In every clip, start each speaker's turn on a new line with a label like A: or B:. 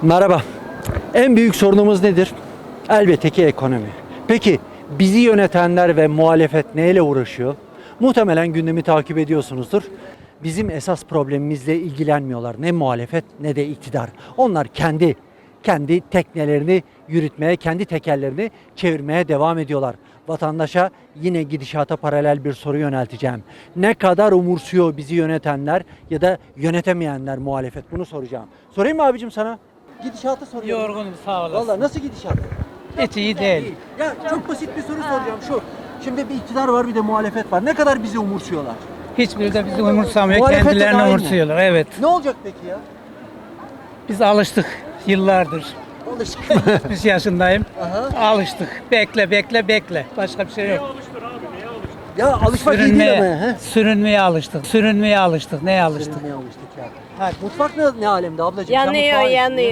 A: Merhaba. En büyük sorunumuz nedir? Elbette ki ekonomi. Peki bizi yönetenler ve muhalefet neyle uğraşıyor? Muhtemelen gündemi takip ediyorsunuzdur. Bizim esas problemimizle ilgilenmiyorlar. Ne muhalefet ne de iktidar. Onlar kendi teknelerini yürütmeye, kendi tekerlerini çevirmeye devam ediyorlar. Vatandaşa yine gidişata paralel bir soru yönelteceğim. Ne kadar umursuyor bizi yönetenler ya da yönetemeyenler muhalefet? Bunu soracağım. Sorayım mı abicim sana? Gidişatı soruyorum.
B: Yorgunum, sağ olasın.
A: Vallahi nasıl gidişat?
B: Hiç iyi değil.
A: Ya çok basit bir soru soracağım şu. Şimdi bir iktidar var bir de muhalefet var. Ne kadar bizi umursuyorlar?
B: Hiçbiri de bizi umursamıyor.
A: Muhalefet de
B: Kendilerini
A: dahil mi?
B: umursuyorlar. Evet.
A: Ne olacak peki ya?
B: Biz alıştık yıllardır.
A: Alıştık.
B: 70 yaşındayım.
A: Aha.
B: Alıştık. Bekle. Başka bir şey yok.
A: Ya alışmak iyi değil ama. He?
B: Sürünmeye alıştık. Neye alıştık?
A: Sürünmeye alıştık ya. Ha, mutfak ne alemde ablacığım? Sen
C: Yanıyor,
A: mutfağa-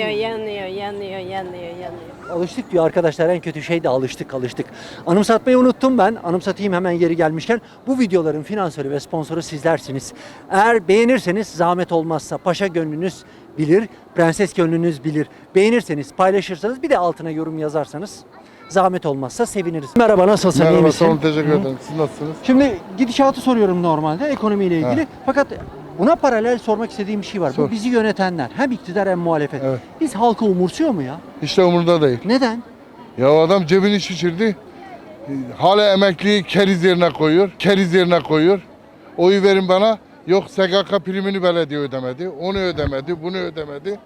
C: yanıyor.
A: Alıştık diyor arkadaşlar, en kötü şey de alıştık. Anımsatmayı unuttum ben. Anımsatayım hemen yeri gelmişken. Bu videoların finansörü ve sponsoru sizlersiniz. Eğer beğenirseniz zahmet olmazsa paşa gönlünüz bilir, prenses gönlünüz bilir. Beğenirseniz, paylaşırsanız bir de altına yorum yazarsanız zahmet olmazsa seviniriz. Merhaba, nasılsın? İyi
D: Merhaba,
A: misin?
D: sağ olun, teşekkür ederim. Siz nasılsınız?
A: Şimdi gidişatı soruyorum normalde ekonomiyle ilgili.
D: Ha.
A: Fakat buna paralel sormak istediğim bir şey var. Bu
D: Sor.
A: bizi yönetenler hem iktidar hem muhalefet.
D: Evet.
A: Biz halkı umursuyor mu ya?
D: Hiç de umurunda değil.
A: Neden?
D: Ya adam cebini şişirdi. Hala emekliyi keriz yerine koyuyor. Oyu verin bana. Yok, SGK primini belediye ödemedi. Onu ödemedi, bunu ödemedi.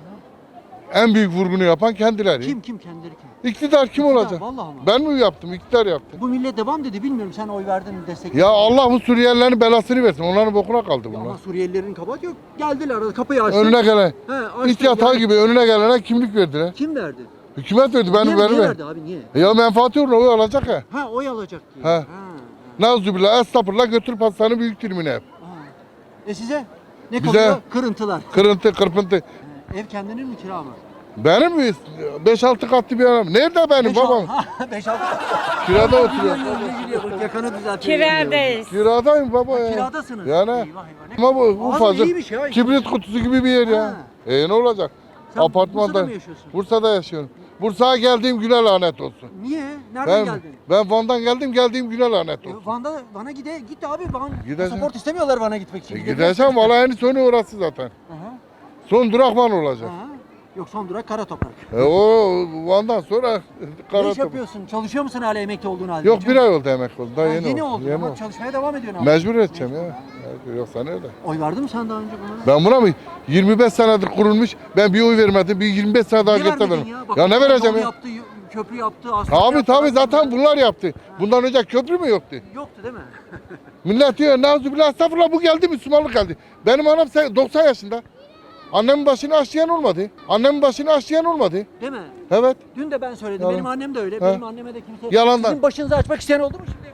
D: En büyük vurgunu yapan kendileri.
A: Kim kendileri kim?
D: İktidar kim
A: İktidar,
D: olacak?
A: vallahi ama.
D: Ben mi yaptım? İktidar yaptı.
A: Bu millet devam dedi, bilmiyorum sen oy verdin mi, destekledin
D: Ya
A: mi?
D: Allah bu Suriyelilerin belasını versin. Onların bokuna kaldı
A: Ya
D: bunlar.
A: ama Suriyelilerin kabahati yok. Geldiler, kapıyı açtık.
D: Önüne gelen,
A: He, açtık
D: it yatağı
A: yani.
D: gibi önüne gelene kimlik verdiler.
A: Kim verdi?
D: Hükümet verdi, ben
A: niye
D: vermem.
A: verdi abi, niye?
D: Ya menfaati uğruna oy alacak ya.
A: Ha, oy alacak diye.
D: Ha. Nazübillah, estağfurullah, götür pastanın büyük dilimine hep.
A: Size ne
D: Bize-
A: kalıyor? Kırıntılar.
D: Kırıntı, kırpıntı.
A: Ev kendinin mi, kira mı?
D: Benim mi? 5-6 katlı bir adam. Nerede benim babam?
A: 5-6.
D: Kirada oturuyor.
A: Yakanı düzeltiyor.
C: Kiradayız.
D: Kiradayım baba ya.
A: Kiradasınız.
D: Yani.
A: Eyvah, eyvah. Ne-
D: Ama bu
A: Ağzı
D: ufacık
A: iyiymiş ya.
D: kibrit kutusu gibi bir yer ya.
A: Ha.
D: Ne olacak?
A: Sen
D: Apartmanda.
A: Bursa'da mı yaşıyorsun?
D: Bursa'da yaşıyorum. Bursa'ya geldiğim güne lanet olsun.
A: Niye? Nereden
D: Ben
A: geldin?
D: ben Van'dan geldiğim güne lanet olsun.
A: Van'a git abi. Van
D: Gideceğim.
A: pasaport istemiyorlar Van'a gitmek için.
D: Gideceğim valla en sonu orası zaten.
A: Aha,
D: Son durak Van olacak.
A: aha. Yok, son durak kara toprak.
D: O Van'dan sonra
A: Ne
D: kara
A: iş yapıyorsun? Çalışıyor musun hala emekli olduğun halde?
D: Yok, bir ay oldu emekli oldu. Daha
A: Ha,
D: yeni,
A: yeni oldu.
D: Yeni
A: Ama
D: oldu.
A: çalışmaya devam ediyorsun abi.
D: Mecbur edeceğim ya. Yoksa nerede?
A: Oy verdin mi sen daha önce buna?
D: Ben buna mı? 25 senedir kurulmuş. Ben bir oy vermedim. Bir 25 sene daha
A: Niye
D: git de
A: vermedin
D: veririm.
A: Bak,
D: Ya ne vereceğim
A: yol
D: ya?
A: Yaptı, köprü yaptı, asfalt
D: Tabii
A: yaptı.
D: tabii zaten bunlar yaptı. Bundan önce köprü mü yoktu?
A: Yoktu değil mi?
D: Millet diyor Nazübillah, estağfurullah, bu geldi, Müslümanlık geldi. Benim anam 90 yaşında. Annemin başını aşlayan olmadı.
A: Değil mi?
D: Evet.
A: Dün de ben söyledim.
D: Yalan.
A: Benim annem de öyle.
D: He.
A: Benim anneme de kimse...
D: Yalandan.
A: Sizin başınızı açmak isteyen oldu mu şimdi?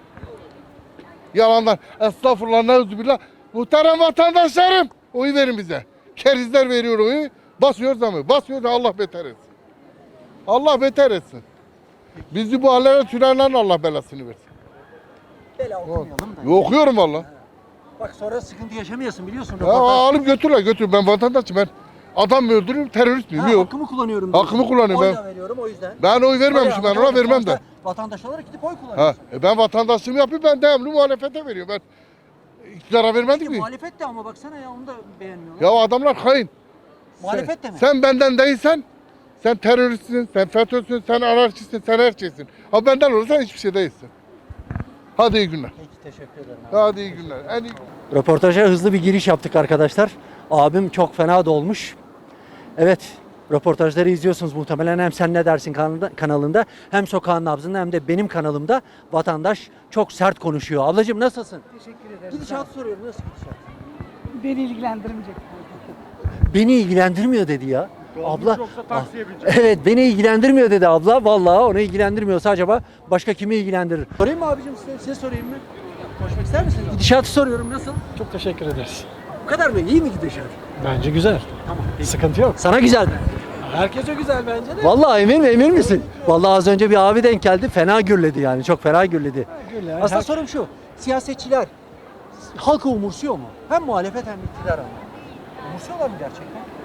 D: Yalandan. Estağfurullah, Nazübillah. Muhterem vatandaşlarım, oy verin bize. Kerizler veriyor oyu. Basıyoruz ama. Basıyoruz, Allah beter etsin. Allah beter etsin. Bizi bu hallere sürenlerin Allah belasını versin.
A: Bela okumayalım da.
D: Okuyorum valla.
A: Bak sonra sıkıntı yaşamayasın, biliyorsun.
D: Ya alıp götür. Ben vatandaşım. Ben adam mı öldürürüm, terörist miyim? Yok.
A: Hakkımı kullanıyorum.
D: Hakkımı kullanıyorum
A: Oy
D: ben.
A: da veriyorum o yüzden.
D: Ben oy vermemişim, ben ona vermem de.
A: Sonuçta vatandaş olarak gidip oy
D: Ha,
A: kullanıyorsun.
D: ben vatandaşlığımı yapıp ben devamlı muhalefete veriyorum. Ben iktidara vermedim
A: İşte
D: ki.
A: muhalefet de ama baksana ya, onu da beğenmiyorlar.
D: Ya adamlar hain.
A: Muhalefet de mi?
D: Sen benden değilsen, sen teröristsin, sen FETÖ'sün, sen anarşistsin, sen her şeysin. Ha benden olursan hiçbir şey değilsin. Hadi iyi günler.
A: Peki, teşekkür ederim.
D: Hadi iyi günler. En iyi...
A: Röportaja hızlı bir giriş yaptık arkadaşlar. Abim çok fena dolmuş. Evet, röportajları izliyorsunuz muhtemelen. Hem Sen Ne Dersin kanalında, hem Sokağın Nabzı'nda, hem de benim kanalımda vatandaş çok sert konuşuyor. Ablacığım nasılsın?
B: Teşekkür ederim.
A: Gidişatı soruyorum. Nasıl gidişat?
B: Beni ilgilendirmeyecek.
A: Beni ilgilendirmiyor dedi ya. Abla.
B: yoksa taksiye bineceğim.
A: Evet, beni ilgilendirmiyor dedi abla. Vallahi onu ilgilendirmiyorsa acaba başka kimi ilgilendirir? Sorayım mı abicim size sorayım mı? Konuşmak ister misiniz? Gidişatı soruyorum, nasıl?
E: Çok teşekkür ederiz.
A: Bu kadar mı? İyi mi gidişat?
E: Bence güzel.
A: Tamam.
E: Sıkıntı yok.
A: Sana güzel mi?
E: Herkese güzel bence de.
A: Vallahi emin misin? Vallahi az önce bir abi denk geldi. Fena gürledi yani. Çok fena gürledi.
E: Güzel.
A: Aslında sorum şu. Siyasetçiler halkı umursuyor mu? Hem muhalefet hem iktidar ama. Umursuyorlar mı gerçekten?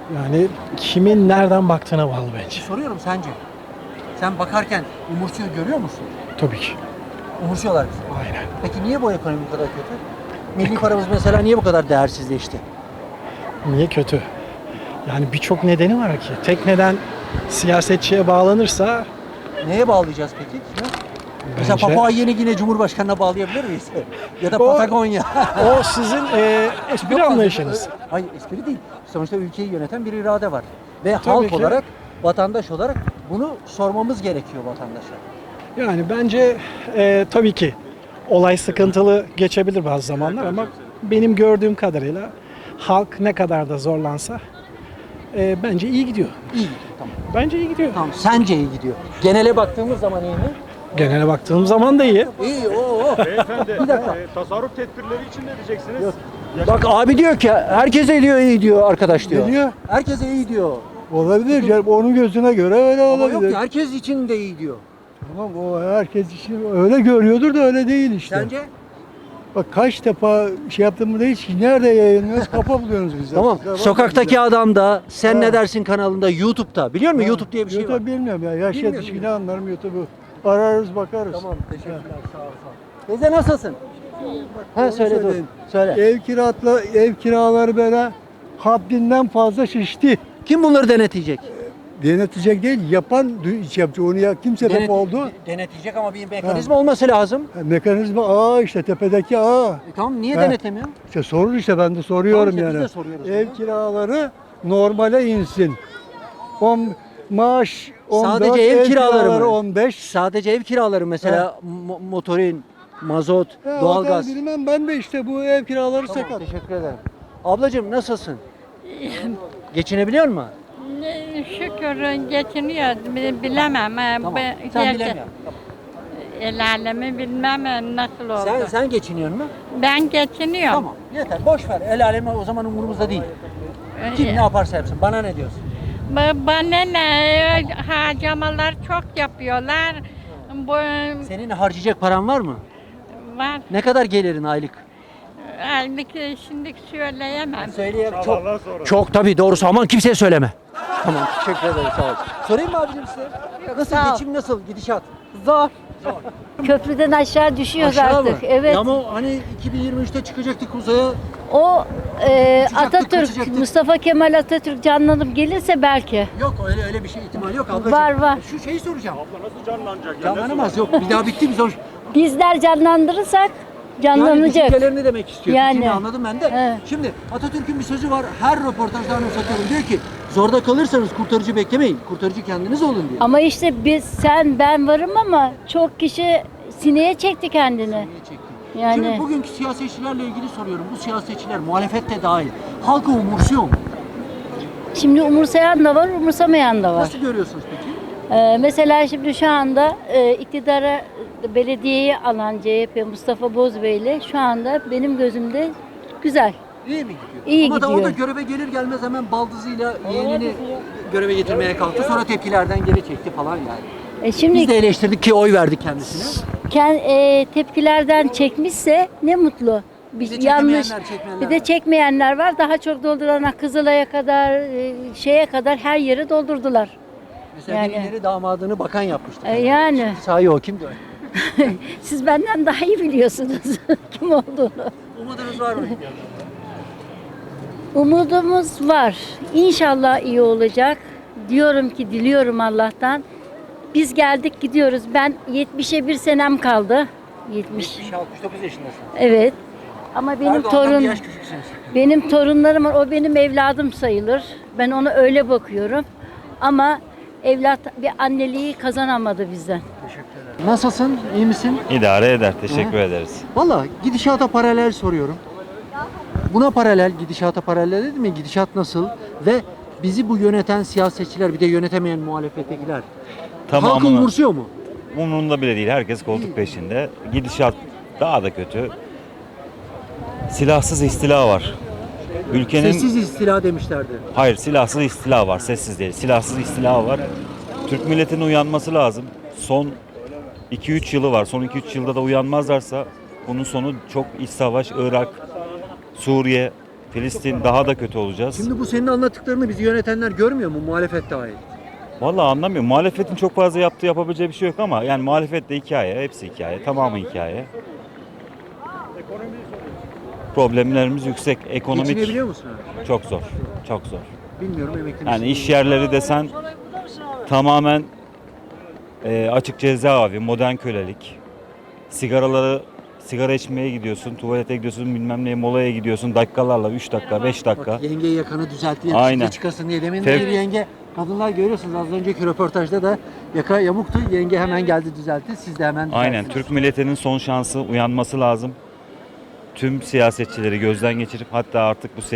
E: Yani kimin nereden baktığına bağlı bence.
A: Soruyorum sence. Sen bakarken umursuyor görüyor musun?
E: Tabii ki.
A: Umursuyorlar bizi.
E: Aynen.
A: Peki niye bu ekonomi bu kadar kötü? Milli paramız mesela niye bu kadar değersizleşti?
E: Niye kötü? Yani birçok nedeni var ki. Tek neden siyasetçiye bağlanırsa
A: Neye bağlayacağız peki? Mesela
E: bence
A: Papua Yeni Gine Cumhurbaşkanı'na bağlayabilir miyiz? Ya da
E: O-
A: Patagonya.
E: o sizin espri
A: Yok,
E: anlayışınız.
A: Hayır espri değil. Sonuçta ülkeyi yöneten bir irade var. Ve
E: Tabii
A: halk
E: ki.
A: olarak, vatandaş olarak bunu sormamız gerekiyor vatandaşa.
E: Yani bence tabii ki olay sıkıntılı geçebilir bazı zamanlar ama benim gördüğüm kadarıyla halk ne kadar da zorlansa bence iyi gidiyor.
A: İyi, tamam.
E: Bence iyi gidiyor.
A: Tamam, sence iyi gidiyor. Genele baktığımız zaman iyi mi?
E: Genele baktığım zaman da iyi.
A: İyi, oo.
C: Beyefendi,
A: Bir dakika.
C: tasarruf tedbirleri için ne diyeceksiniz?
A: Yok. Bak abi diyor ki herkese diyor iyi diyor arkadaş diyor.
F: Ne diyor?
A: Herkese iyi diyor.
F: Olabilir canım. Onun gözüne göre öyle
A: Ama
F: olabilir.
A: yok ki herkes için de iyi diyor.
F: Tamam o herkes için öyle görüyordur da öyle değil işte.
A: Sence?
F: Bak kaç defa şey yaptığımda hiç nerede yayınlıyoruz kafa buluyorsunuz bize.
A: Tamam.
F: Bize bakma
A: Sokaktaki
F: bize.
A: adam da Sen
F: Ha.
A: Ne Dersin kanalında YouTube'da. Biliyor musun?
F: Ha,
A: YouTube diye bir şey
F: YouTube
A: var.
F: bilmiyorum ya. Yaş
A: Bilmiyorum,
F: yetişkini
A: bilmiyorum.
F: anlarım YouTube'u. Ararız bakarız.
A: Tamam, teşekkürler. Sağ ol, sağ ol. Teyze nasılsın? Ha söyle dur.
F: söyleyeyim.
A: Söyle.
F: Ev kiraları böyle haddinden fazla şişti.
A: Kim bunları denetleyecek?
F: Denetecek değil, yapan iş yapacak. Onu ya kim sebep oldu?
A: Denetleyecek ama bir mekanizma olması lazım.
F: Mekanizma işte tepedeki
A: Tamam niye
F: Ha.
A: denetlemiyor?
F: İşte sorun işte ben de soruyorum
A: Tamam işte biz
F: yani.
A: de soruyoruz
F: Ev
A: bunu.
F: kiraları normale insin. Maaş 14,
A: Sadece ev kiraları mı?
F: 15.
A: Sadece ev kiraları mesela motorin, mazot, doğalgaz.
F: Bilmem ben de işte bu ev kiraları
A: Tamam,
F: sakat.
A: teşekkür ederim. Ablacığım nasılsın? Geçinebiliyor musun?
G: Şükür geçiniyor. Bilemem.
A: Tamam. Sen bilemiyorsun.
G: El alemi bilmem nasıl oldu.
A: Sen geçiniyor musun?
G: Ben geçiniyorum.
A: Tamam yeter boş ver. El alemi o zaman umurumuzda değil. Kim ne yaparsa yapsın. Bana ne diyorsun?
G: Bana ne harcamalar çok yapıyorlar. Bu
A: Senin harcayacak paran var mı?
G: var.
A: Ne kadar gelirin aylık?
G: Aylık şimdi söyleyemem.
A: Söyleyeyim. Çok tabii doğrusu aman kimseye söyleme. Tamam teşekkür ederim sağ ol. Sorayım mı abicim size? Nasıl
H: sağ ol.
A: geçim nasıl gidişat?
H: Zor. Köprüden aşağı düşüyoruz
A: Aşağı
H: artık.
A: mı?
H: Evet.
A: Ya ama hani 2023'te çıkacaktık uzaya.
H: O
A: Uçacaktık,
H: Atatürk,
A: kaçacaktık.
H: Mustafa Kemal Atatürk canlanıp gelirse belki.
A: Yok öyle bir şey ihtimal yok ablacığım.
H: Var.
A: Şu şeyi soracağım.
C: Abla nasıl canlanacak ya?
A: Canlanamaz yok. Bir daha bitti mi zor.
H: Bizler canlandırırsak
A: Yani
H: canlanacak.
A: düşüncelerini demek istiyor.
H: Yani.
A: Fikrini anladım ben de.
H: Evet.
A: Şimdi Atatürk'ün bir sözü var. Her röportajda anımsatıyorum. Diyor ki zorda kalırsanız kurtarıcı beklemeyin. Kurtarıcı kendiniz olun diyor.
H: Ama işte sen ben varım ama çok kişi sineye çekti kendini.
A: Niye çekti?
H: Yani.
A: Şimdi bugünkü siyasetçilerle ilgili soruyorum. Bu siyasetçiler muhalefette dahil. Halkı umursuyor mu?
H: Şimdi umursayan da var, umursamayan da var.
A: Nasıl görüyorsunuz peki?
H: Mesela şimdi şu anda iktidara belediyeyi alan CHP Mustafa Bozbeyli şu anda benim gözümde güzel.
A: İyi mi gidiyor?
H: İyi
A: Ama da o
H: gidiyor.
A: da göreve gelir gelmez hemen baldızıyla yeğenini göreve getirmeye kalktı. Sonra tepkilerden geri çekti falan yani.
H: Şimdi
A: Biz de eleştirdik ki oy verdik kendisine.
H: tepkilerden çekmişse ne mutlu.
A: Bir de
H: Yanlış.
A: çekmeyenler
H: Bir de
A: var.
H: çekmeyenler var. Daha çok doldurana Kızılay'a kadar şeye kadar her yeri doldurdular.
A: Mesela
H: Yani.
A: birileri damadını bakan yapmıştı.
H: Yani.
A: Sahi o kimdi o?
H: Siz benden daha iyi biliyorsunuz kim olduğunu.
A: Umudunuz var mı?
H: Umudumuz var. İnşallah iyi olacak. Diyorum ki diliyorum Allah'tan. Biz geldik gidiyoruz. Ben 70'e bir senem kaldı. 70.
A: 69 yaşındasın.
H: Evet. Ama
A: Erdoğan'dan bir yaş küçüksünüz.
H: benim torunlarım var. O benim evladım sayılır. Ben ona öyle bakıyorum. Ama evlat bir anneliği kazanamadı bizden.
A: Nasılsın? İyi misin?
I: İdare eder. Teşekkür ederiz.
A: Valla gidişata paralel soruyorum. Buna paralel, gidişata paralel değil mi? Gidişat nasıl? Ve bizi bu yöneten siyasetçiler bir de yönetemeyen muhalefettekiler. Halkı
I: Tamamını
A: umursuyor mu?
I: umurunda bile değil. Herkes koltuk peşinde. Gidişat daha da kötü. Silahsız istila var. Ülkenin
A: Sessiz istila demişlerdi.
I: hayır silahsız istila var. Sessiz değil. Silahsız istila var. Türk milletinin uyanması lazım. Son 2-3 yılı var. Son 2-3 yılda da uyanmazlarsa bunun sonu çok iç savaş, Irak, Suriye Filistin daha da kötü olacağız.
A: Şimdi bu senin anlattıklarını bizi yönetenler görmüyor mu? Muhalefet dahil.
I: Vallahi anlamıyorum. Muhalefetin çok fazla yapabileceği bir şey yok ama yani muhalefet de hikaye, hepsi hikaye, tamamı hikaye. Problemlerimiz yüksek, ekonomik
A: Geçinebiliyor musun abi?
I: çok zor, çok zor.
A: Bilmiyorum, emekli misin?
I: Yani iş yerleri desen tamamen açık cezaevi, modern kölelik. Sigara içmeye gidiyorsun, tuvalete gidiyorsun, bilmem neye molaya gidiyorsun dakikalarla 3 dakika, 5 dakika.
A: Bak, yenge yakanı düzeltti.
I: Aynen.
A: Çıkasın diye. Demin
I: Tev-
A: bir yenge, kadınlar görüyorsunuz az önceki röportajda da yaka yamuktu. Yenge hemen geldi düzeltti. Siz de hemen
I: Aynen.
A: düzelttiniz.
I: Türk milletinin son şansı, uyanması lazım. Tüm siyasetçileri gözden geçirip hatta artık bu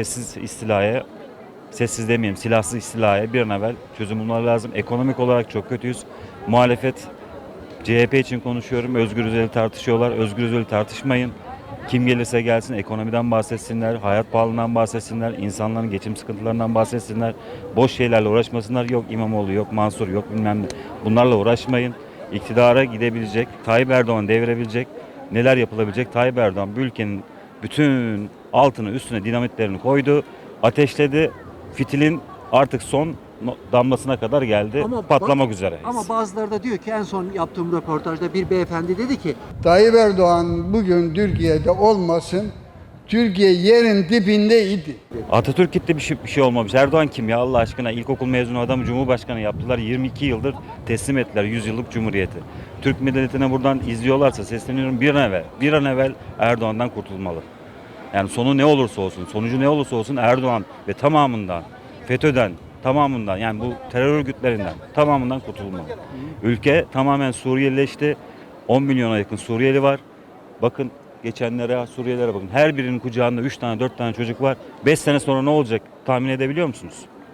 I: sessiz demeyeyim, silahsız istilaya bir an evvel çözüm bulmaları lazım. Ekonomik olarak çok kötüyüz. Muhalefet, CHP için konuşuyorum, Özgür Özel'i tartışıyorlar. Özgür Özel'i tartışmayın. Kim gelirse gelsin ekonomiden bahsetsinler, hayat pahalılığından bahsetsinler, insanların geçim sıkıntılarından bahsetsinler. Boş şeylerle uğraşmasınlar. Yok İmamoğlu, yok Mansur, yok bilmem ne. Bunlarla uğraşmayın. İktidara gidebilecek, Tayyip Erdoğan devirebilecek, neler yapılabilecek? Tayyip Erdoğan bu ülkenin bütün altını üstüne dinamitlerini koydu, ateşledi. Fitilin artık son damlasına kadar geldi. Patlamak üzere.
A: Ama bazıları da diyor ki en son yaptığım röportajda bir beyefendi dedi ki
F: Tayyip Erdoğan bugün Türkiye'de olmasın, Türkiye yerin dibindeydi.
I: Atatürk gitti, bir şey olmamış. Erdoğan kim ya Allah aşkına? İlkokul mezunu adamı Cumhurbaşkanı yaptılar. 22 yıldır teslim ettiler 100 yıllık cumhuriyeti. Türk milletine buradan izliyorlarsa sesleniyorum, bir an evvel Erdoğan'dan kurtulmalı. Yani sonu ne olursa olsun, sonucu ne olursa olsun Erdoğan ve tamamından, FETÖ'den, tamamından yani bu terör örgütlerinden tamamından kurtulmalı. Ülke tamamen Suriyelileşti. 10 milyona yakın Suriyeli var. Bakın geçenlere, Suriyelilere bakın. Her birinin kucağında 3 tane 4 tane çocuk var. 5 sene sonra ne olacak tahmin edebiliyor musunuz?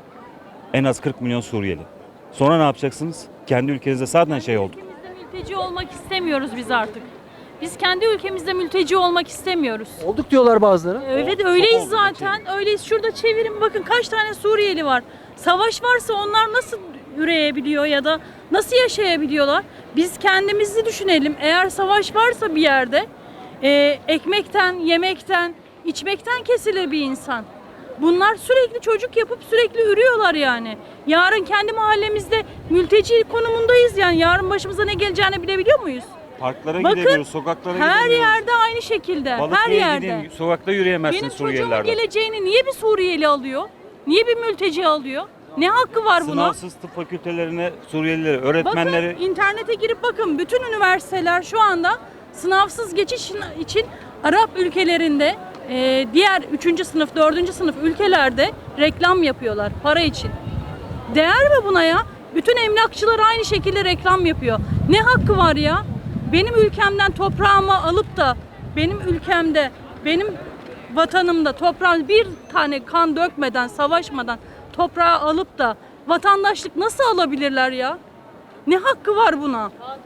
I: En az 40 milyon Suriyeli. Sonra ne yapacaksınız? Kendi ülkenizde zaten şey olduk.
J: Mülteci olmak istemiyoruz biz artık. Biz kendi ülkemizde mülteci olmak istemiyoruz.
A: olduk diyorlar bazıları.
J: Evet öyleyiz zaten. Öyleyiz. Şurada çevirin bakın kaç tane Suriyeli var. Savaş varsa onlar nasıl üreyebiliyor ya da nasıl yaşayabiliyorlar? Biz kendimizi düşünelim. Eğer savaş varsa bir yerde ekmekten, yemekten, içmekten kesilir bir insan. Bunlar sürekli çocuk yapıp sürekli ürüyorlar yani. Yarın kendi mahallemizde mülteci konumundayız yani. Yarın başımıza ne geleceğini bilebiliyor muyuz?
I: Parklara
J: Bakın,
I: gidemiyoruz, sokaklara
J: Her
I: gidemiyoruz.
J: yerde aynı şekilde. Her
I: Balıkesir'e
J: yerde.
I: gidin, sokakta yürüyemezsin
J: Benim çocuğumun
I: Suriyelilerden.
J: geleceğini niye bir Suriyeli alıyor? Niye bir mülteci alıyor? Ne hakkı var buna?
I: Sınavsız tıp fakültelerine Suriyelileri, öğretmenleri...
J: Bakın internete girip bakın bütün üniversiteler şu anda sınavsız geçiş için Arap ülkelerinde diğer 3. sınıf, 4. sınıf ülkelerde reklam yapıyorlar para için. Değer mi buna ya? Bütün emlakçılar aynı şekilde reklam yapıyor. Ne hakkı var ya? Benim ülkemden toprağımı alıp da benim ülkemde, benim vatanımda toprağın bir tane kan dökmeden, savaşmadan toprağı alıp da vatandaşlık nasıl alabilirler ya? Ne hakkı var buna?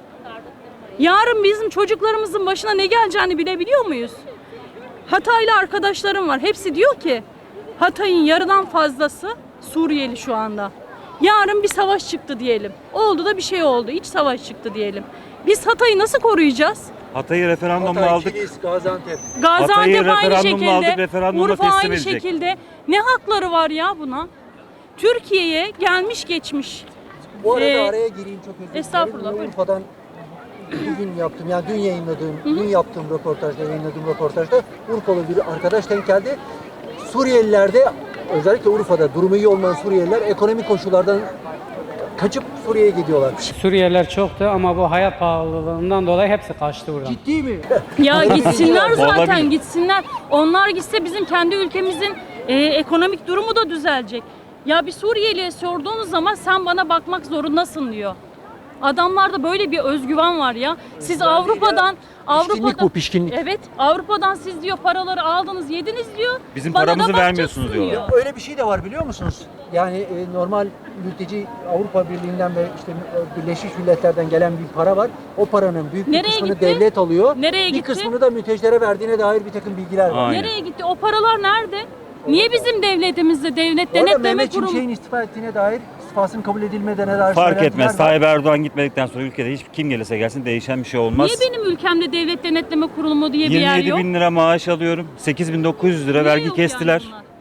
J: Yarın bizim çocuklarımızın başına ne geleceğini bilebiliyor muyuz? Hataylı arkadaşlarım var. Hepsi diyor ki Hatay'ın yarıdan fazlası Suriyeli şu anda. Yarın bir savaş çıktı diyelim. Oldu da bir şey oldu. İç savaş çıktı diyelim. Biz Hatay'ı nasıl koruyacağız?
I: Hatay'ı referandumla aldık.
A: Kilis, Gaziantep.
J: Gaziantep aynı
I: referandumla
J: şekilde,
I: aldık, referandumla
J: Urfa
I: teslim
J: aynı
I: edecek.
J: şekilde. Ne hakları var ya buna? Türkiye'ye gelmiş geçmiş.
A: Bu arada
J: Ee,
A: araya gireyim, çok özür dilerim.
J: estağfurullah, buyurun.
A: Urfa'dan bugün yaptım, yani dün yaptığım röportajda, yayınladığım röportajda Urfalı bir arkadaş denk geldi. Suriyelilerde, özellikle Urfa'da durumu iyi olmayan Suriyeliler ekonomik koşullardan kaçıp Suriye'ye gidiyorlarmış.
B: Suriyeliler çoktu ama bu hayat pahalılığından dolayı hepsi kaçtı buradan.
A: Ciddi mi?
J: Ya gitsinler zaten
I: Olabilir.
J: gitsinler. Onlar gitse bizim kendi ülkemizin ekonomik durumu da düzelecek. Ya bir Suriyeli'ye sorduğunuz zaman sen bana bakmak zorundasın diyor. Adamlarda böyle bir özgüven var ya. Siz Avrupa'dan
A: Pişkinlik bu, pişkinlik.
J: Evet, Avrupa'dan siz diyor paraları aldınız, yediniz diyor.
I: Bizim
J: Bana da
I: paramızı
J: bakacaksın
I: vermiyorsunuz diyorlar.
A: Öyle bir şey de var biliyor musunuz? Yani normal mülteci Avrupa Birliği'nden ve işte Birleşmiş Milletler'den gelen bir para var. O paranın büyük bir
J: Nereye
A: kısmını
J: gitti?
A: devlet alıyor.
J: Nereye
A: bir
J: gitti?
A: kısmını da mültecilere verdiğine dair bir takım bilgiler var.
I: Aynen.
J: Nereye gitti? O paralar nerede? Niye bizim devletimizde devlet
A: Bu arada
J: denetleme
A: Mehmet
J: kurumu?
A: Şimşek'in istifa ettiğine dair, istifasının kabul edilmediğine dair
I: Fark
A: söylentiler
I: etmez.
A: var.
I: Tayyip Erdoğan gitmedikten sonra ülkede hiç kim gelirse gelsin değişen bir şey olmaz.
J: Niye benim ülkemde devlet denetleme kurumu diye bir yer
I: 27
J: yok?
I: bin lira maaş alıyorum. 8.900 lira
J: Niye
I: vergi
J: yok
I: kestiler.
J: yani bunlar?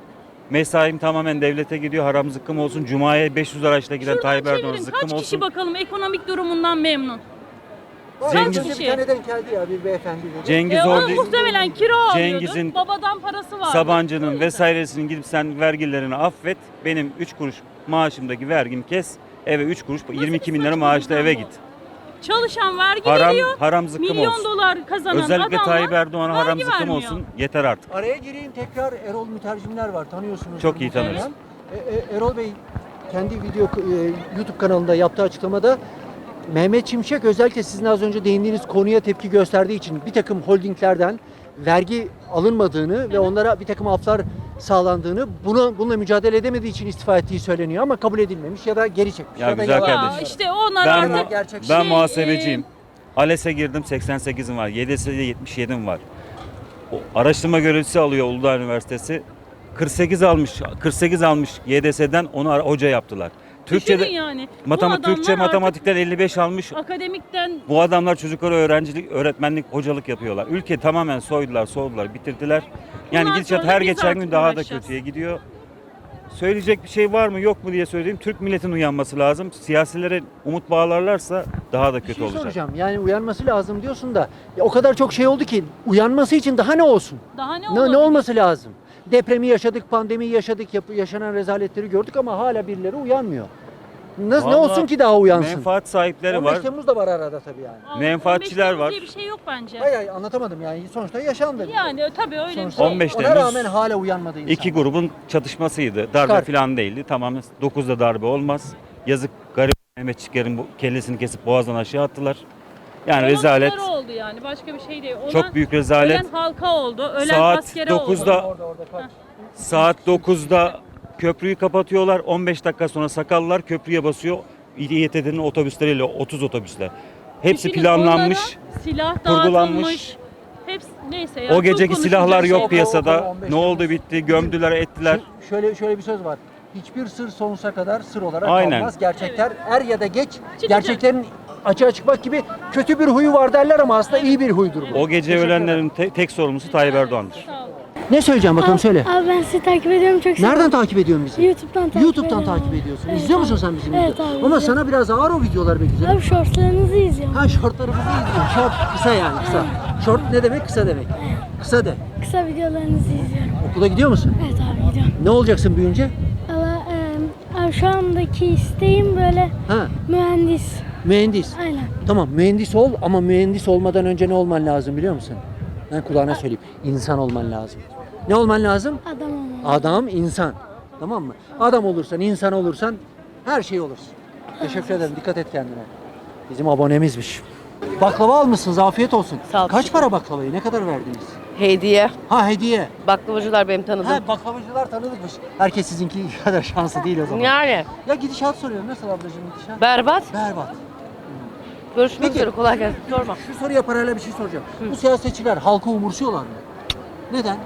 I: Mesaim tamamen devlete gidiyor. Haram zıkkım olsun. Cuma'ya 500 araçla giden
J: Şuradan
I: Tayyip Erdoğan
J: çevirin.
I: zıkkım
J: Kaç kişi
I: olsun.
J: bakalım ekonomik durumundan memnun?
I: Cengiz-
J: Kaç kişi?
A: Bir tane denk geldi ya bir beyefendi dedi.
I: Cengiz
J: O
I: Holding,
J: muhtemelen kira alıyordu.
I: Cengiz'in,
J: Babadan parası vardı.
I: Sabancı'nın vesairesinin gidip sen vergilerini affet. Benim 3 kuruş maaşımdaki vergimi kes. Eve 3 kuruş 22 bin lira
J: saçmalık
I: maaşla
J: lan
I: eve
J: bu?
I: git.
J: Çalışan vergi
I: Haram,
J: veriyor.
I: haram zıkkım
J: Milyon
I: olsun.
J: dolar kazanan
I: Özellikle
J: adamlar
I: Tayyip Erdoğan'a haram
J: vergi
I: zıkkım
J: vermiyor.
I: olsun. Yeter artık.
A: Araya gireyim tekrar Erol Mütercimler var tanıyorsunuz.
I: Çok iyi tanırız.
A: Erol Bey kendi YouTube kanalında yaptığı açıklamada Mehmet Şimşek özellikle sizin az önce değindiğiniz konuya tepki gösterdiği için bir takım holdinglerden vergi alınmadığını ve onlara bir takım aflar sağlandığını, bununla mücadele edemediği için istifa ettiği söyleniyor ama kabul edilmemiş ya da geri çekmiş.
I: Ya
A: da
I: güzel
A: yalan.
I: kardeşim.
J: Ya işte onlar
I: Ben,
J: artık
A: gerçek
I: ben
J: şey,
I: muhasebeciyim. ALES'e girdim 88'im var. YDS'de 77'm var. O araştırma görevlisi alıyor Uludağ Üniversitesi. 48 almış YDS'den onu hoca yaptılar.
J: Düşünün
I: Türkçe'de
J: yani. Bu adamlar
I: Türkçe
J: artık
I: matematikten 55 almış.
J: akademikten
I: Bu adamlar çocuklara öğretmenlik, hocalık yapıyorlar. Ülke tamamen soydular, bitirdiler. Yani
J: Bundan
I: gidişat
J: sonra
I: her
J: biz
I: geçen
J: artık
I: gün daha da
J: uğraşacağız.
I: kötüye gidiyor. Söyleyecek bir şey var mı yok mu diye söyleyeyim. Türk milletin uyanması lazım. Siyasilere umut bağlarlarsa daha da
A: Bir
I: kötü
A: şey
I: olacak.
A: soracağım. Yani uyanması lazım diyorsun da ya o kadar çok şey oldu ki uyanması için daha ne olsun?
J: daha ne
A: Ne
J: olabilir?
A: olması lazım? Depremi yaşadık, pandemiyi yaşadık, yaşanan rezaletleri gördük ama hala birileri uyanmıyor. Ne
I: Vallahi
A: olsun ki daha uyansın?
I: Menfaat sahipleri
A: 15
I: var.
A: Temmuz da var arada tabii yani.
J: Aa,
I: menfaatçiler
J: 15 Temmuz
I: var.
J: diye bir şey yok bence.
A: Hayır anlatamadım yani sonuçta yaşandı.
J: Yani tabii öyle bir
A: Sonuçta
J: şey.
I: 15
A: ona
I: Temmuz
A: rağmen hala uyanmadı insan.
I: İki grubun çatışmasıydı. Darbe
A: Çıkar.
I: falan değildi. Tamamen 9'da darbe olmaz. Yazık garip Mehmetçiklerin bu kellesini kesip boğazdan aşağı attılar. Yani
J: Olan
I: rezalet.
J: onlara oldu yani başka bir şey değil. Olan,
I: Çok büyük rezalet.
J: Ölen halka oldu, ölen
I: Saat
J: askere oldu.
I: 9'da Saat 9'da köprüyü kapatıyorlar. 15 dakika sonra sakallar köprüye basıyor. İETT'nin otobüsleriyle 30 otobüsler. Hepsi
J: Düşünün,
I: planlanmış.
J: onlara silah
I: kurgulanmış.
J: dağıtılmış. Hepsi neyse ya.
I: O
J: çok
I: geceki
J: konuşulacak
I: silahlar
J: şey.
I: yok piyasada.
A: 15
I: Ne oldu
A: Temmuz.
I: bitti. Gömdüler ettiler.
A: Şöyle bir söz var. Hiçbir sır sonsuza kadar sır olarak
I: Aynen.
A: kalmaz. Gerçekler er ya da geç gerçeklerin açığa çıkmak gibi kötü bir huyu var derler ama aslında iyi bir huydur bu.
I: O gece ölenlerin tek sorumlusu Tayyip Erdoğan'dır.
J: Sağ olun.
A: Ne söyleyeceğim bakalım söyle.
K: Abi ben sizi takip ediyorum çok
A: Nereden takip ediyorsun bizi?
K: YouTube'dan takip
A: YouTube'dan
K: ediyorum.
A: takip ediyorsun.
K: Evet
A: İzliyor
K: abi.
A: musun sen bizim
K: Evet
A: videoları?
K: abi,
A: Ama
K: izliyorum.
A: sana biraz ağır o videolar be güzel.
K: Abi shortlarınızı izliyorum.
A: Ha şortlarımızı izliyorum. Şort kısa yani kısa. Şort ne demek? Kısa demek. Kısa de.
K: Kısa videolarınızı izliyorum.
A: Okula gidiyor musun?
K: Evet abi gidiyorum.
A: Ne olacaksın büyüyünce?
K: Ama abi şu andaki isteğim böyle
A: Ha,
K: mühendis.
A: mühendis.
K: Aynen.
A: Tamam mühendis ol ama mühendis olmadan önce ne olman lazım biliyor musun? Ben kulağına söyleyeyim. İnsan olman lazım. Ne olman lazım?
K: Adam olmalı.
A: Adam, insan. Tamam mı? Adam olursan, insan olursan her şey olursun. Teşekkür ederim. Dikkat et kendine. Bizim abonemizmiş. Baklava almışsınız. Afiyet olsun.
L: Sağ ol.
A: Kaç para baklavayı? Ne kadar verdiniz?
L: Hediye.
A: Ha hediye.
L: Baklavacılar benim tanıdığım.
A: Ha baklavacılar tanıdıkmış. Herkes sizinki kadar şanslı değil o zaman.
L: Yani
A: Ya gidişat soruyorum. Nasıl ablacığım gidişat?
L: berbat.
A: Berbat.
L: Görüşmek
A: Peki.
L: üzere, kolay gelsin. Sorma.
A: Şu soruya paralel bir şey soracağım. Bu siyasetçiler halkı umursuyorlar mı? Neden?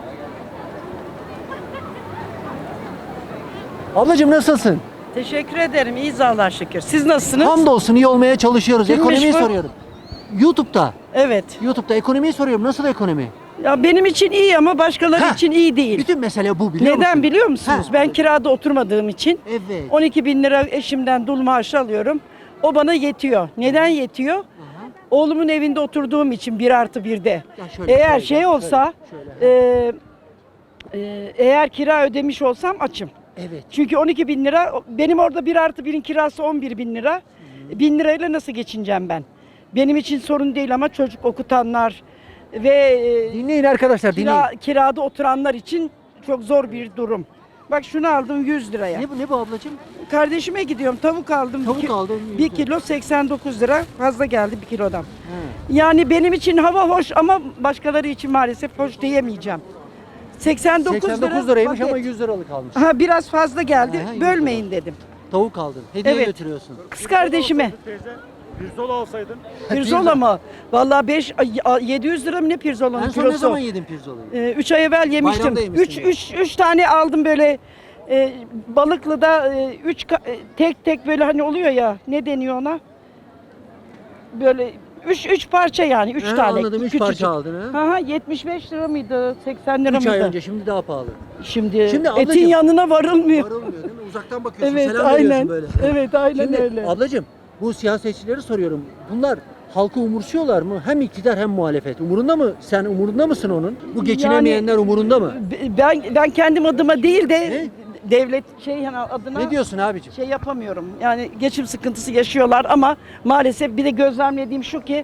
A: Ablacığım nasılsın?
L: Teşekkür ederim. İyiyiz Allah'a şükür. Siz nasılsınız?
A: Hamdolsun iyi olmaya çalışıyoruz.
L: Kimmiş
A: Ekonomiyi
L: bu?
A: soruyorum. YouTube'da.
L: Evet.
A: YouTube'da ekonomiyi soruyorum. Nasıl ekonomi?
L: Ya benim için iyi ama başkaları
A: Heh.
L: için iyi değil.
A: Bütün mesele bu biliyor
L: Neden
A: musun?
L: biliyor musunuz?
A: Heh.
L: Ben kirada oturmadığım için
A: Evet.
L: 12 bin lira eşimden dul maaşı alıyorum. O bana yetiyor. Neden yetiyor?
A: Aha.
L: Oğlumun evinde oturduğum için 1+1'de.
A: Ya şöyle,
L: Eğer
A: şöyle,
L: şey olsa,
A: şöyle.
L: eğer kira ödemiş olsam açım.
A: Evet.
L: Çünkü 12 bin lira, benim orada 1+1'in kirası 11 bin lira. 1000 lirayla nasıl geçineceğim ben? Benim için sorun değil ama çocuk okutanlar ve
A: Dinleyin arkadaşlar dinleyin.
L: kirada oturanlar için çok zor bir durum. Bak şunu aldım 100 liraya.
A: Ne bu ablacığım?
L: Kardeşime gidiyorum, tavuk aldım.
A: Tavuk aldın.
L: 1 kilo 89 lira, fazla geldi 1 kilodan.
A: Ha.
L: Yani benim için hava hoş ama başkaları için maalesef hoş diyemeyeceğim. 89
A: liraymış
L: paket.
A: ama 100 liralık almış.
L: Ha, biraz fazla geldi.
A: Aha, 100
L: Bölmeyin dedim.
A: Tavuk aldın. Hediye
L: Evet.
A: götürüyorsun.
L: Kız kardeşime.
C: Teyze, pirzola alsaydın.
L: Pirzola mı? Vallahi 700 lira mı ne pirzola'nın
A: En son
L: kilosu?
A: ne zaman yedin pirzolayı?
L: 3 ay evvel yemiştim.
A: Bayramda yemişsin
L: 3 tane aldım böyle Balıklı'da tek tek böyle hani oluyor ya, ne deniyor ona? Böyle Üç parça yani. Üç tane.
A: Anladım, 3
L: küçücük.
A: parça aldın ha.
L: Aha, 75 lira mıydı? 80 lira
A: 3
L: mıydı?
A: ay önce, şimdi daha pahalı.
L: Şimdi
A: Şimdi
L: etin
A: ablacığım-
L: yanına varılmıyor.
A: Varılmıyor değil mi? Uzaktan bakıyorsun,
L: Evet,
A: selam veriyorsun
L: aynen.
A: böyle.
L: Evet, aynen
A: Şimdi
L: öyle.
A: ablacığım, bu siyasetçileri soruyorum. Bunlar halkı umursuyorlar mı? Hem iktidar hem muhalefet. Umurunda mı? Sen umurunda mısın onun? Bu geçinemeyenler umurunda mı?
L: Ben kendim adıma değil de devlet adına
A: Ne diyorsun abicim?
L: şey yapamıyorum. Yani geçim sıkıntısı yaşıyorlar ama maalesef bir de gözlemlediğim şu ki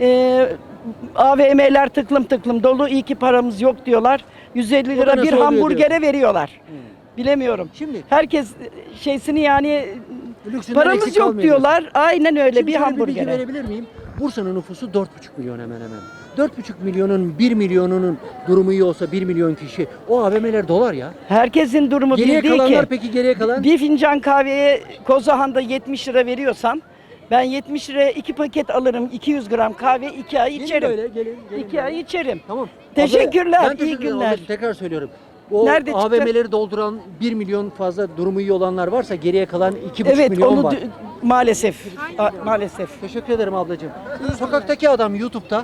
L: AVM'ler tıklım tıklım dolu. İyi ki paramız yok diyorlar. 150
A: O da
L: lira
A: nasıl
L: bir
A: oluyor
L: hamburgere veriyorlar. Bilemiyorum.
A: Şimdi
L: Herkes şeysini yani
A: lüksünden
L: paramız
A: eksik
L: yok
A: kalmıyor
L: diyorlar. Aynen öyle
A: Şimdi
L: bir
A: şöyle bir bilgi
L: hamburgere.
A: verebilir miyim? Bursa'nın nüfusu 4,5 milyon hemen hemen. 4,5 milyonun 1 milyonunun durumu iyi olsa 1 milyon kişi o AVM'ler dolar ya.
L: Herkesin durumu
A: Geriye
L: bir değil
A: kalanlar
L: ki.
A: peki geriye kalan?
L: Bir fincan kahveye Kozahan'da 70 lira veriyorsam ben 70 liraya 2 paket alırım. 200 gram kahve 2 ay
A: Gelin
L: içerim.
A: böyle, gelin
L: 2 ay içerim.
A: Tamam.
L: Teşekkürler,
A: Ben
L: iyi
A: teşekkür ederim
L: günler.
A: ablacığım, tekrar söylüyorum. O
L: Nerede çıktı?
A: AVM'leri dolduran 1 milyon fazla durumu iyi olanlar varsa geriye kalan 2,5
L: Evet
A: milyon
L: onu
A: var.
L: maalesef. Maalesef.
A: Teşekkür ederim ablacığım. Sokaktaki adam YouTube'da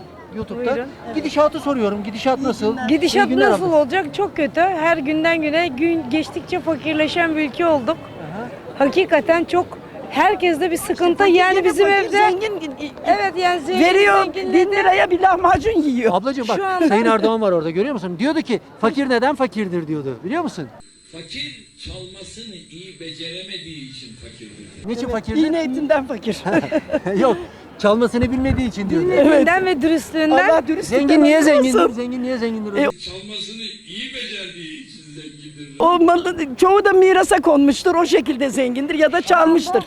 A: gidişatı soruyorum. Gidişat nasıl? İyi
M: Gidişat
A: günler
M: nasıl
A: abla.
M: olacak? Çok kötü. Her günden güne gün geçtikçe fakirleşen bir ülke olduk. Hakikaten çok herkeste bir sıkıntı. Yani bizim evde
L: Zengin
M: evet yani zengin
L: veriyor
M: zenginle
L: 1000
M: de-
L: liraya bir lahmacun yiyor.
A: Ablacığım bak
M: Şu anda-
A: Sayın Erdoğan var orada görüyor musun? Diyordu ki fakir neden fakirdir diyordu. Biliyor musun?
N: Fakir çalmasını iyi beceremediği için fakirdir.
A: Niçin fakirdir?
L: İğne etinden fakir.
A: Yok. Çalmasını bilmediği için diyordu.
M: bilmediğinden ve dürüstlüğünden.
L: Allah dürüstlükten
A: Zengin niye
L: ayırmasın.
A: zengindir? Zengin niye zengindir?
N: Çalmasını iyi becerdiği için zengindir.
L: Olmalı. Çoğu da mirasa konmuştur. O şekilde zengindir ya da çalmıştır.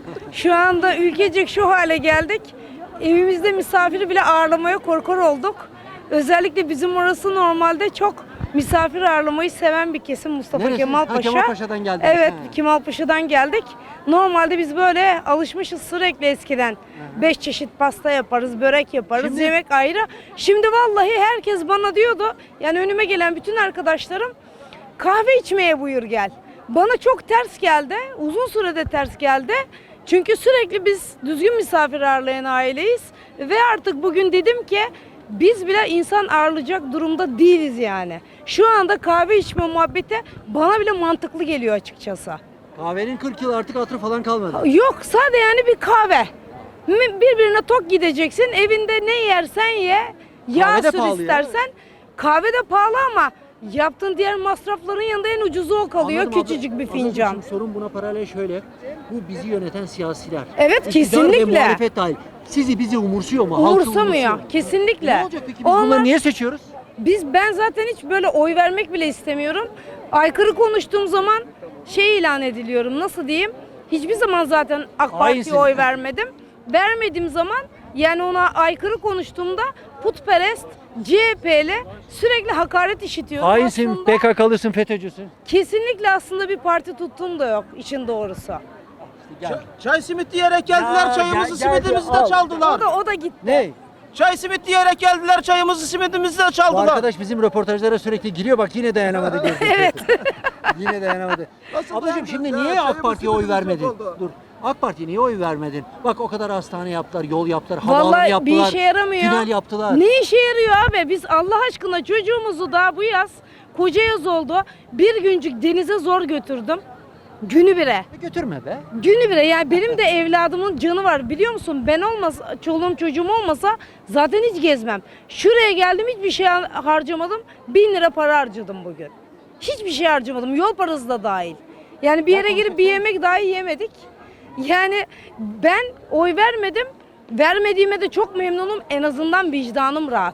M: Şu anda ülkecek şu hale geldik. Evimizde misafiri bile ağırlamaya korkar olduk. Özellikle bizim orası normalde çok misafir ağırlamayı seven bir kesim Mustafa
A: Neresi?
M: Kemal
A: Ha,
M: Paşa.
A: Kemalpaşa'dan geldiniz.
M: Evet,
A: Ha.
M: Kemalpaşa'dan geldik. Normalde biz böyle alışmışız sürekli eskiden. 5 çeşit pasta yaparız, börek yaparız,
A: Şimdi-
M: yemek ayrı. Şimdi vallahi herkes bana diyordu, yani önüme gelen bütün arkadaşlarım kahve içmeye buyur gel. Bana çok ters geldi, uzun sürede ters geldi. Çünkü sürekli biz düzgün misafir ağırlayan aileyiz. Ve artık bugün dedim ki biz bile insan ağırlayacak durumda değiliz yani. Şu anda kahve içme muhabbeti bana bile mantıklı geliyor açıkçası.
A: Kahvenin 40 yıl artık hatırı falan kalmadı.
M: Yok sadece yani bir kahve. Birbirine tok gideceksin. Evinde ne yersen ye. Yağ
A: Kahve de
M: sür
A: pahalı ya.
M: istersen. Kahve de pahalı ama yaptığın diğer masrafların yanında en ucuzu o kalıyor.
A: Anladım abla.
M: Küçücük bir
A: Ablacığım,
M: fincan.
A: şimdi sorun buna paralel şöyle. Bu bizi yöneten siyasiler.
M: Evet,
A: İktidar
M: kesinlikle.
A: ve muhalefet dahil. Sizi bizi umursuyor mu? Halkı
M: Umursamıyor.
A: mu?
M: Kesinlikle.
A: Ne olacak peki? Biz bunları niye seçiyoruz?
M: Ben zaten hiç böyle oy vermek bile istemiyorum. Aykırı konuştuğum zaman şey ilan ediliyorum. Nasıl diyeyim? Hiçbir zaman zaten AK Parti'ye
A: Hainsin.
M: oy vermedim. Vermediğim zaman yani ona aykırı konuştuğumda putperest, CHP'li sürekli hakaret işitiyorum.
A: Hainsin,
M: Aslında
A: PKK'lısın, FETÖ'cüsün.
M: kesinlikle aslında bir parti tuttuğum da yok işin doğrusu.
A: Gel.
C: Çay simit diyerek geldiler,
A: Ya,
C: çayımızı
A: gel,
C: simidimizi
A: al.
C: de çaldılar.
M: O da gitti.
A: Ne?
C: Çay simit diyerek geldiler, çayımızı simidimizi de
A: Bu
C: çaldılar.
A: arkadaş bizim röportajlara sürekli giriyor, bak yine dayanamadı. Girdi.
M: Evet.
A: Yine dayanamadı.
C: Nasıl
A: Ablacığım
C: dayanamadı?
A: şimdi
C: Ya,
A: niye AK
C: çayımız
A: Parti'ye oy
C: simidimiz
A: vermedin?
C: yok oldu.
A: Dur. AK Parti'ye niye oy vermedin? Bak o kadar hastane yaptılar, yol yaptılar, havaalanı
M: Vallahi
A: yaptılar.
M: bir işe yaramıyor.
A: Tünel yaptılar.
M: Ne işe yarıyor abi? Biz Allah aşkına çocuğumuzu daha bu yaz koca yaz oldu. Bir güncük denize zor götürdüm. Günü bire.
A: Götürme be.
M: Günü bire. Yani benim de evladımın canı var. Biliyor musun? Ben olmasa, çoluğum çocuğum olmasa zaten hiç gezmem. Şuraya geldim hiçbir şey harcamadım. 1000 lira para harcadım bugün. Hiçbir şey harcamadım. Yol parası da dahil. Yani bir yere girip bir yemek dahi yemedik. Yani ben oy vermedim. Vermediğime de çok memnunum. En azından vicdanım rahat.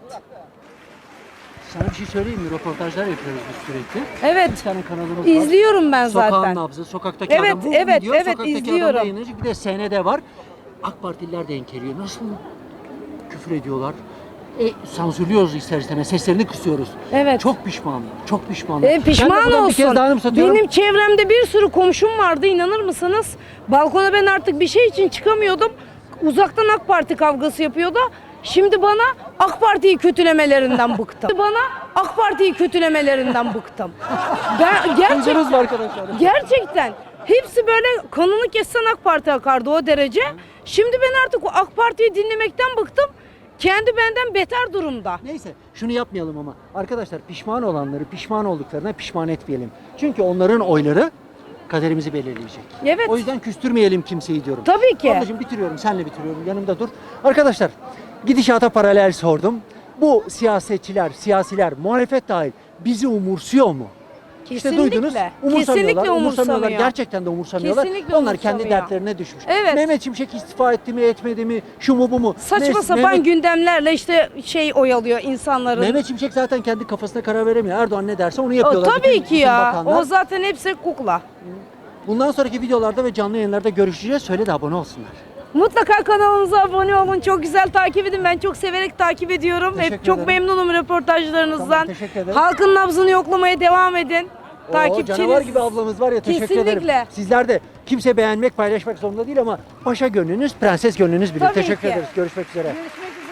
A: Sana bir şey söyleyeyim mi? Röportajlar yapıyoruz biz sürekli.
M: Evet.
A: Bir tane kanalımız var.
M: İzliyorum ben
A: Sokağın
M: zaten.
A: nabzı, sokaktaki
M: Evet,
A: adam. Bu
M: evet,
A: video
M: evet,
A: sokaktaki
M: izliyorum.
A: adamda yayınlanacak. Bir de SND var. AK Partililer de enkeliyor. Nasıl küfür ediyorlar? Sansürlüyoruz ister istemez. Seslerini kısıyoruz.
M: Evet.
A: Çok pişmanım. Çok pişmanım. Ben de
M: Pişman
A: buradan bir kez
M: olsun.
A: daha anımsatıyorum.
M: Benim çevremde bir sürü komşum vardı, inanır mısınız? Balkona ben artık bir şey için çıkamıyordum. Uzaktan AK Parti kavgası yapıyordu. Şimdi bana AK Parti'yi kötülemelerinden bıktım. Bana AK Parti'yi kötülemelerinden bıktım. Ben
A: Duydunuz mu arkadaşlar?
M: gerçekten Hepsi böyle kanını kessen AK Parti akardı o derece. Şimdi ben artık o AK Parti'yi dinlemekten bıktım. Kendi benden beter durumda.
A: Neyse şunu yapmayalım ama arkadaşlar pişman olanları pişman olduklarına pişman etmeyelim. Çünkü onların oyları kaderimizi belirleyecek.
M: Evet.
A: O yüzden küstürmeyelim kimseyi diyorum.
M: Tabii ki.
A: Ablacığım bitiriyorum, senle bitiriyorum. Yanımda dur. Arkadaşlar gidişata paralel sordum. Bu siyasetçiler, siyasiler, muhalefet dahil bizi umursuyor mu? İşte duydunuz. Umursamıyorlar.
M: Kesinlikle
A: Umursamıyorlar.
M: umursamıyor.
A: gerçekten de umursamıyorlar.
M: Kesinlikle
A: Onlar kendi
M: umursamıyor.
A: dertlerine düşmüş.
M: Evet.
A: Mehmet Şimşek istifa etti mi, etmedi mi? Şu mu bu mu?
M: Saçma
A: Neyse,
M: sapan gündemlerle işte oyalıyor insanların.
A: Mehmet Şimşek zaten kendi kafasına karar veremiyor. Erdoğan ne derse onu yapıyorlar.
M: Tabii
A: Bütün-
M: ki
A: bütün
M: ya.
A: bakanlar.
M: O zaten hepsi kukla.
A: Bundan sonraki videolarda ve canlı yayınlarda görüşeceğiz. Söyle de abone olsunlar.
M: Mutlaka kanalımıza abone olun. Çok güzel takip edin. Ben çok severek takip ediyorum.
A: Teşekkür
M: Hep çok
A: ederim.
M: memnunum röportajlarınızdan.
A: Tamam, teşekkür ederim.
M: Halkın nabzını yoklamaya devam edin.
A: Oo,
M: Takipçiniz.
A: canavar gibi ablamız var ya, teşekkür ederim.
M: Kesinlikle.
A: Sizler de kimse beğenmek, paylaşmak zorunda değil ama paşa gönlünüz, prenses gönlünüz bilir.
M: Tabii
A: Teşekkür
M: ki.
A: ederiz. Görüşmek üzere.
M: Görüşmek üzere.